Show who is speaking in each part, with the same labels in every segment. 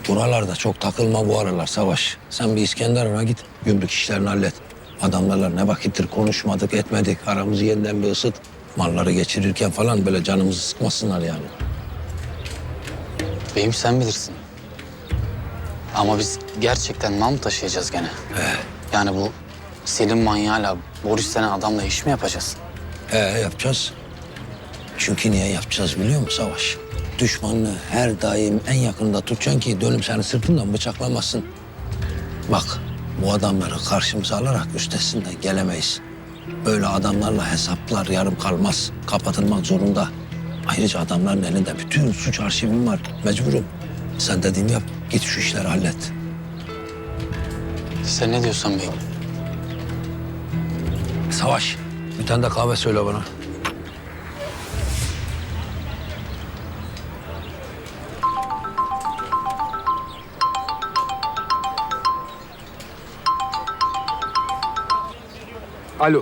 Speaker 1: Buralarda çok takılma bu aralar Savaş. Sen bir İskenderun'a git, gümrük işlerini hallet. Adamlarla ne vakittir konuşmadık, etmedik. Aramızı yeniden bir ısıt. Malları geçirirken falan böyle canımızı sıkmasınlar yani.
Speaker 2: Beyim sen bilirsin. Ama biz gerçekten mal mı taşıyacağız gene? Yani bu Selim manyağıyla Boris denen adamla iş mi yapacağız?
Speaker 1: Yapacağız. Çünkü niye yapacağız biliyor musun Savaş? Düşmanını her daim en yakında tutacaksın ki dönüp seni sırtından bıçaklamasın. Bak bu adamları karşımıza alarak üstesinden gelemeyiz. Böyle adamlarla hesaplar yarım kalmaz. Kapatılmak zorunda. Ayrıca adamların elinde bütün suç arşivim var. Mecburum. Sen dediğimi yap. Git şu işleri hallet.
Speaker 2: Sen ne diyorsan beyim.
Speaker 1: Savaş, bir tane de kahve söyle bana.
Speaker 3: Alo.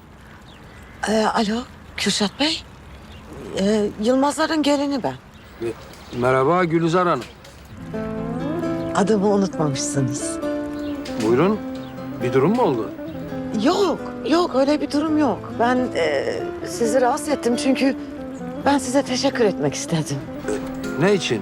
Speaker 4: Alo, Kürşat Bey. Yılmazların gelini ben.
Speaker 3: Merhaba Gülizar Hanım.
Speaker 4: Adımı unutmamışsınız.
Speaker 3: Buyurun. Bir durum mu oldu?
Speaker 4: Yok öyle bir durum yok. Ben sizi rahatsız ettim çünkü ben size teşekkür etmek istedim.
Speaker 3: Ne için?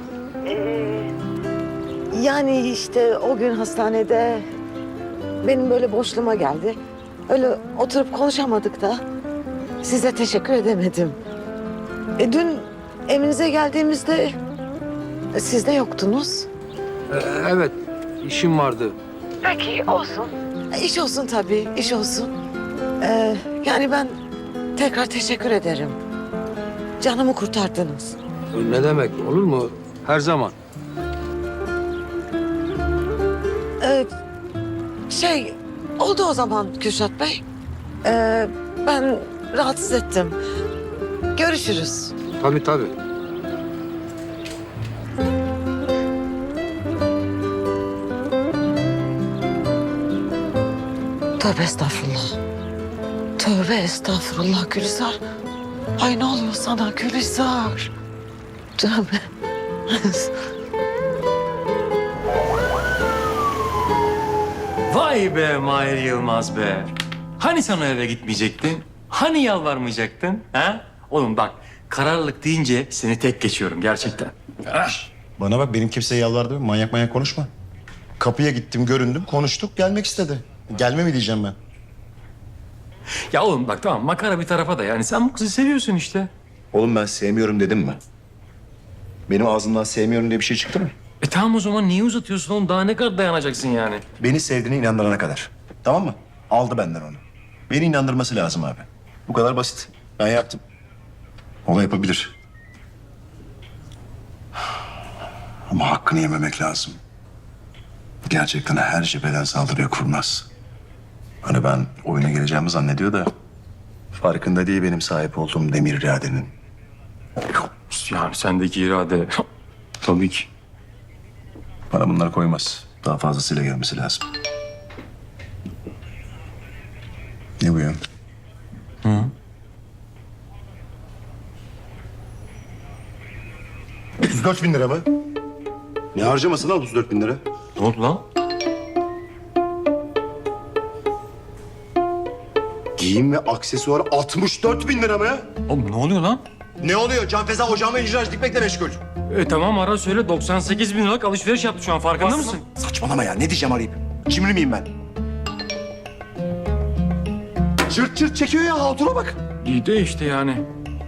Speaker 4: Yani işte o gün hastanede benim böyle boşluğuma geldi. Öyle oturup konuşamadık da size teşekkür edemedim. Dün evinize geldiğimizde siz de yoktunuz.
Speaker 3: Evet, işim vardı.
Speaker 4: Peki olsun. İş olsun tabii, iş olsun. Yani ben tekrar teşekkür ederim. Canımı kurtardınız.
Speaker 3: Ne demek, olur mu? Her zaman.
Speaker 4: Oldu o zaman Kürşat Bey. Ben rahatsız ettim. Görüşürüz.
Speaker 3: Tabii tabii.
Speaker 4: Tövbe estağfurullah. Tövbe estağfurullah Gülizar. Ay ne oluyor sana Gülizar? Tövbe.
Speaker 5: Vay be Mahir Yılmaz be. Hani sen o eve gitmeyecektin? Hani yalvarmayacaktın? Ha? Oğlum bak kararlılık deyince seni tek geçiyorum gerçekten.
Speaker 6: Bana bak benim kimseye yalvardı. Manyak konuşma. Kapıya gittim, göründüm, konuştuk, gelmek istedi. Gelme mi diyeceğim ben?
Speaker 5: Ya oğlum bak tamam makara bir tarafa da yani sen bu kızı seviyorsun işte.
Speaker 6: Oğlum ben sevmiyorum dedim mi? Benim ağzımdan sevmiyorum diye bir şey çıktı mı?
Speaker 5: Tamam o zaman niye uzatıyorsun oğlum? Daha ne kadar dayanacaksın yani?
Speaker 6: Beni sevdiğine inandırana kadar. Tamam mı? Aldı benden onu. Beni inandırması lazım abi. Bu kadar basit. Ben yaptım. O da yapabilir. Ama hakkını yememek lazım. Gerçekten her cepheden saldırıya kurmaz. Hani ben oyuna geleceğimi zannediyor da... farkında değil benim sahip olduğum demir iradenin.
Speaker 5: Yani sendeki irade tabii ki.
Speaker 6: Bana bunları koymaz. Daha fazlasıyla gelmesi lazım. Ne bu ya? 34 bin lira mı? Ne harcaması lan 34 bin lira?
Speaker 5: Ne oldu lan?
Speaker 6: Giyim ve aksesuar 64 bin lira mı?
Speaker 5: Oğlum ne oluyor lan?
Speaker 6: Ne oluyor? Can Feza ocağıma icraç dikmekle meşgul.
Speaker 5: Tamam ara söyle 98 bin liralık alışveriş yaptı şu an farkında mısın?
Speaker 6: Saçmalama ya. Ne diyeceğim arayıp? Cimri miyim ben? Çırt çırt çekiyor ya. Hatuna bak.
Speaker 5: İyi de işte yani.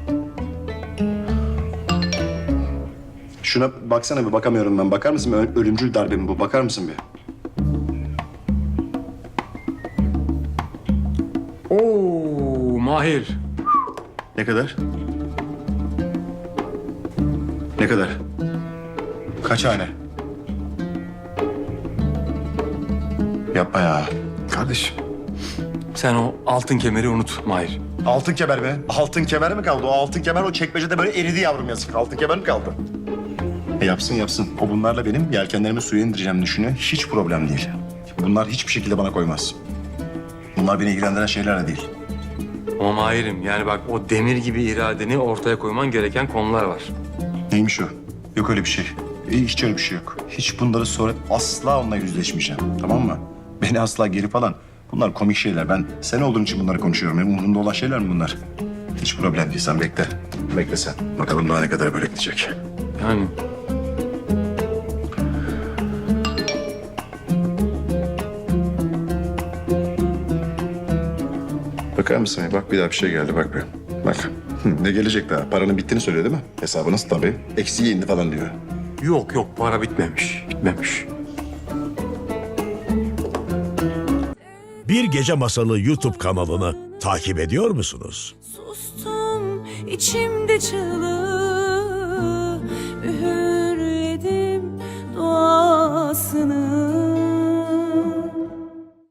Speaker 6: Şuna baksana bir, bakamıyorum ben. Bakar mısın? Ölümcül darbe mi bu? Bakar mısın bir?
Speaker 5: Oo Mahir.
Speaker 6: Ne kadar? Ne kadar? Kaç hane? Yapma ya. Kardeşim.
Speaker 5: Sen o altın kemeri unut Mahir.
Speaker 6: Altın kemer mi? Altın kemer mi kaldı? O altın kemer o çekmecede böyle eridi yavrum yazık. Altın kemer mi kaldı? Yapsın yapsın. O bunlarla benim yelkenlerimi suya indireceğimi düşünüyor. Hiç problem değil. Bunlar hiçbir şekilde bana koymaz. Bunlar beni ilgilendiren şeyler de değil.
Speaker 5: Ama Mahir'im yani bak o demir gibi iradeni ortaya koyman gereken konular var.
Speaker 6: Neymiş o? Yok öyle bir şey. Hiç öyle bir şey yok. Hiç bunları sonra asla onunla yüzleşmeyeceğim. Tamam mı? Beni asla geri falan. Bunlar komik şeyler. Ben sen olduğun için bunları konuşuyorum. Benim umurumda olan şeyler mi bunlar? Hiç problem değil. Sen bekle. Bekle sen. Bakalım daha ne kadar böyle gidecek.
Speaker 5: Yani
Speaker 6: Bakar mısın? Bak bir daha bir şey geldi. Bak bir. Bak. Ne gelecek daha? Paranın bittiğini söylüyor değil mi? Hesabınız tabii. Eksiği indi falan diyor.
Speaker 5: yok yok para bitmemiş. Bitmemiş.
Speaker 7: Bir Gece Masalı YouTube kanalını takip ediyor musunuz?
Speaker 8: Sustum içimde çığlığı, üğürledim duasını.